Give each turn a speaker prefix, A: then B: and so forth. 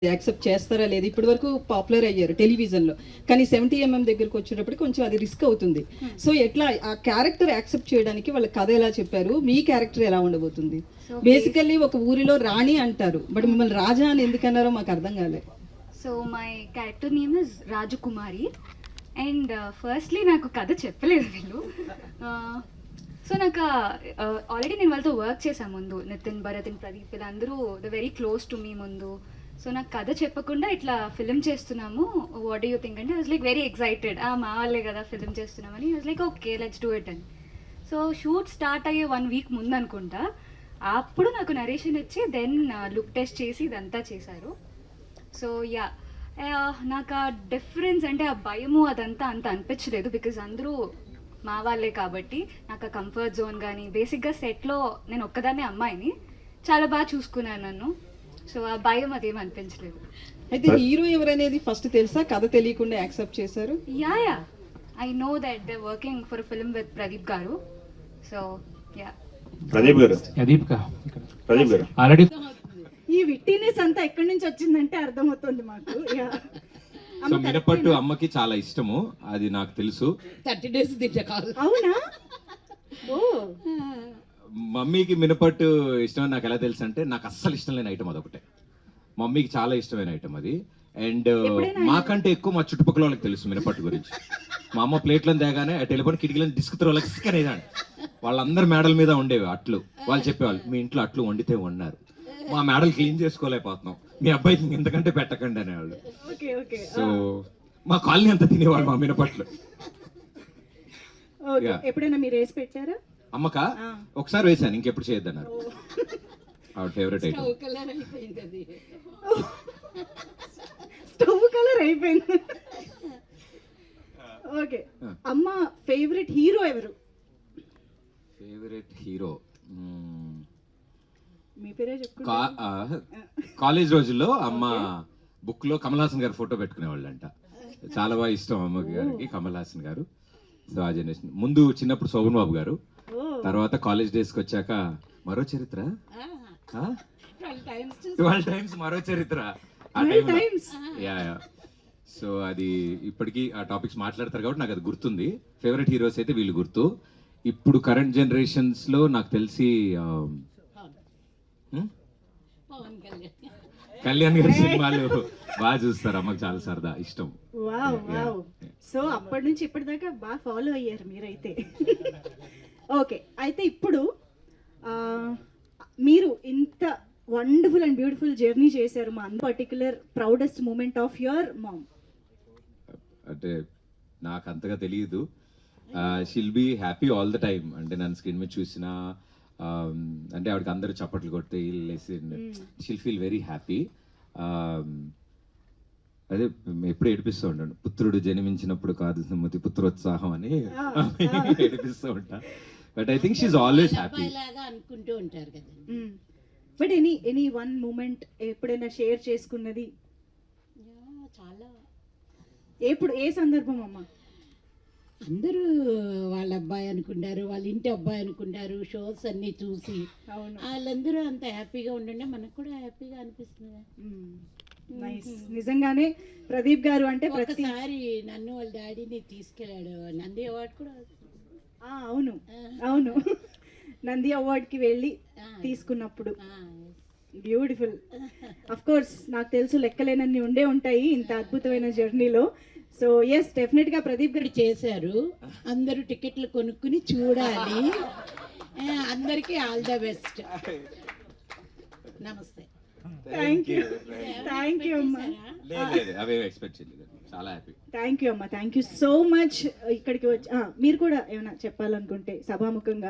A: Accept చేస్తారా లేదు, ఇప్పటి వరకు పాపులర్ అయ్యారు టెలివిజన్లో, కానీ 70mm దగ్గరకు వచ్చేటప్పుడు కొంచెం అది రిస్క్ అవుతుంది. సో ఎట్లా ఆ క్యారెక్టర్ యాక్సెప్ట్ చేయడానికి వాళ్ళ కథ ఎలా చెప్పారు, మీ క్యారెక్టర్ ఎలా ఉండబోతుంది? బేసికల్లీ ఒక ఊరిలో రాణి అంటారు, బట్ మిమ్మల్ని రాజా అని ఎందుకన్నారో మాకు అర్థం కాలేదు.
B: So my character name is Rajakumari and firstly నాకు కథ చెప్పలేదు వీళ్ళు. సో నాకు ఆల్రెడీ నేను వాళ్ళతో వర్క్ చేశాను ముందు, నితిన్, భరత్ అండ్ ప్రదీప్ వీళ్ళందరూ the very close to me ముందు. సో నాకు కథ చెప్పకుండా ఇట్లా ఫిలిం చేస్తున్నాము, వాట్ డూ యూ థింక్ అంటే, I was like very excited. మా వాళ్ళే కదా ఫిలిం చేస్తున్నామని, I was like okay let's do it అని. సో షూట్ స్టార్ట్ అయ్యే 1 వీక్ ముందు అనుకుంటా, అప్పుడు నాకు నరేషన్ ఇచ్చి దెన్ లుక్ టెస్ట్ చేసి ఇదంతా చేశారు. సో యా, నాకు ఆ డిఫరెన్స్ అంటే ఆ భయము అదంతా అంత అనిపించలేదు, బికాజ్ అందరూ మా వాళ్ళే కాబట్టి. నాకు ఆ కంఫర్ట్ జోన్ కానీ, బేసిక్గా సెట్లో నేను ఒక్కదాన్నే అమ్మాయిని, చాలా బాగా చూసుకున్నాను నన్ను. సో ఆ భయం అదేం అనిపించలేదు.
A: అయితే హీరో ఎవరనేది ఫస్ట్ తెలుసా, కథ తెలియకుండా యాక్సెప్ట్ చేశారు?
B: Yeah I know that they working for film with Pradeep garu. So yeah.
C: Pradeep గారు
D: ఆల్రెడీ
E: ఈ విట్టినెస్ అంతా ఎక్కడి నుంచి వచ్చిందంటే అర్థమవుతుంది మాకు.
D: సో మినపట్టు అమ్మకి చాలా ఇష్టము, అది నాకు తెలుసు.
F: 30 days తింటారు.
E: అవునా? ఓ,
D: మమ్మీకి మినపట్టు ఇష్టం నాకు ఎలా తెలుసు అంటే, నాకు అస్సలు ఇష్టం లేని ఐటమ్ అదొకటే. మమ్మీకి చాలా ఇష్టమైన ఐటమ్ అది. అండ్ మాకంటే ఎక్కువ మా చుట్టుపక్కల వాళ్ళకి తెలుసు మినపట్టు గురించి. మా అమ్మ ప్లేట్లను తేగానే టెలిఫోన్ కిటికీలను డిస్క్ అనేదాన్ని. వాళ్ళందరి మేడల మీద ఉండేవి అట్లు. వాళ్ళు చెప్పేవాళ్ళు, మీ ఇంట్లో అట్లు వండితే వండారు, మా మేడలు క్లీన్ చేసుకోలేకపోతున్నాం, మీ అబ్బాయికి ఎంతకంటే పెట్టకండి అనేవాళ్ళు. సో మా కాలనీ అంతా తినేవాళ్ళు మా మినపట్లు.
E: ఎప్పుడైనా మీరు వేసి పెట్టారా?
D: అమ్మక ఒకసారి వేసాను, ఇంకెప్పుడు చేయొద్దన్నారు. ఆవిడ ఫేవరెట్ ఐటమ్.
E: స్టవ్ కలర్ అయిపోయింది. ఓకే, అమ్మ ఫేవరెట్ హీరో ఎవరు?
D: ఫేవరెట్ హీరో
E: మీ పేరే చెప్పు.
D: కాలేజ్ రోజుల్లో అమ్మ బుక్ లో కమల్ హాసన్ గారు ఫోటో పెట్టుకునేవాళ్ళంట. చాలా బాగా ఇష్టం అమ్మకి గారికి కమల్ హాసన్ గారు. సో ఆ జనరేషన్ ముందు చిన్నప్పుడు శోభన్ బాబు గారు, తర్వాత కాలేజ్ డేస్ కి వచ్చాక మరో చరిత్ర, 12 times మరో చరిత్ర. సో అది ఇప్పటికీ ఆ టాపిక్స్ మాట్లాడతారు కాబట్టి నాకు అది గుర్తుంది. ఫేవరెట్ హీరోస్ అయితే వీళ్ళు గుర్తు. ఇప్పుడు కరెంట్ జనరేషన్స్ లో నాకు తెలిసి కళ్యాణ్ గారి సినిమాలు బాగా చూస్తారు, అమ్మకి చాలా సరదా ఇష్టం.
E: సో అప్పటి నుంచి ఇప్పటిదాకా బాగా ఫాలో అయ్యారు మీరైతే. ఓకే, అయితే ఇప్పుడు మీరు ఇంత వండర్ఫుల్ అండ్ బ్యూటిఫుల్ జర్నీ చేశారు, మా particular proudest moment of your mom
D: అంటే నాకు అంతగా తెలియదు. She'll be happy all the time. అంటే నన్ను స్క్రీన్ మీద చూసినా అంటే ఆవిడకి అందరూ చప్పట్లు కొడితే షిల్ ఫీల్ వెరీ హ్యాపీ. అదే ఎప్పుడు ఏడిపిస్తూ ఉంటాను, పుత్రుడు జన్మించినప్పుడు కాదు సుమతి పుత్రోత్సాహం అని ఏడిపిస్తూ ఉంటా. But I think she's always happy
F: అనుకుంటూ ఉంటారు కదా.
E: బట్ ఎనీ వన్ మూమెంట్ ఎప్పుడైనా షేర్ చేసుకున్నది?
F: చాలా.
E: ఎప్పుడు, ఏ సందర్భం అమ్మా?
F: అందరూ వాళ్ళ అబ్బాయి అనుకుంటారు, వాళ్ళ ఇంటి అబ్బాయి అనుకుంటారు, షోస్ అన్ని చూసి వాళ్ళందరూ అంత హ్యాపీగా ఉండండి, మనకు కూడా హ్యాపీగా అనిపిస్తుంది.
E: నిజంగానే ప్రదీప్ గారు అంటే
F: ప్రతిసారి నన్ను వాళ్ళ డాడీని తీసుకెళ్ళాడు నంది అవార్డు కూడా.
E: అవును అవును, నంది అవార్డ్కి వెళ్ళి తీసుకున్నప్పుడు బ్యూటిఫుల్. అఫ్ కోర్స్ నాకు తెలుసు లెక్కలేనన్ని ఉండే ఉంటాయి ఇంత అద్భుతమైన జర్నీలో. సో ఎస్, డెఫినెట్గా ప్రదీప్ గారు
F: చేశారు. అందరూ టికెట్లు కొనుక్కుని చూడాలి. అందరికీ ఆల్ ద బెస్ట్. నమస్తే.
E: థ్యాంక్ యూ అమ్మా.
D: చాలా హ్యాపీ.
E: థ్యాంక్ యూ అమ్మా, థ్యాంక్ యూ సో మచ్. ఇక్కడికి వచ్చి మీరు కూడా ఏమైనా చెప్పాలనుకుంటే సభాముఖంగా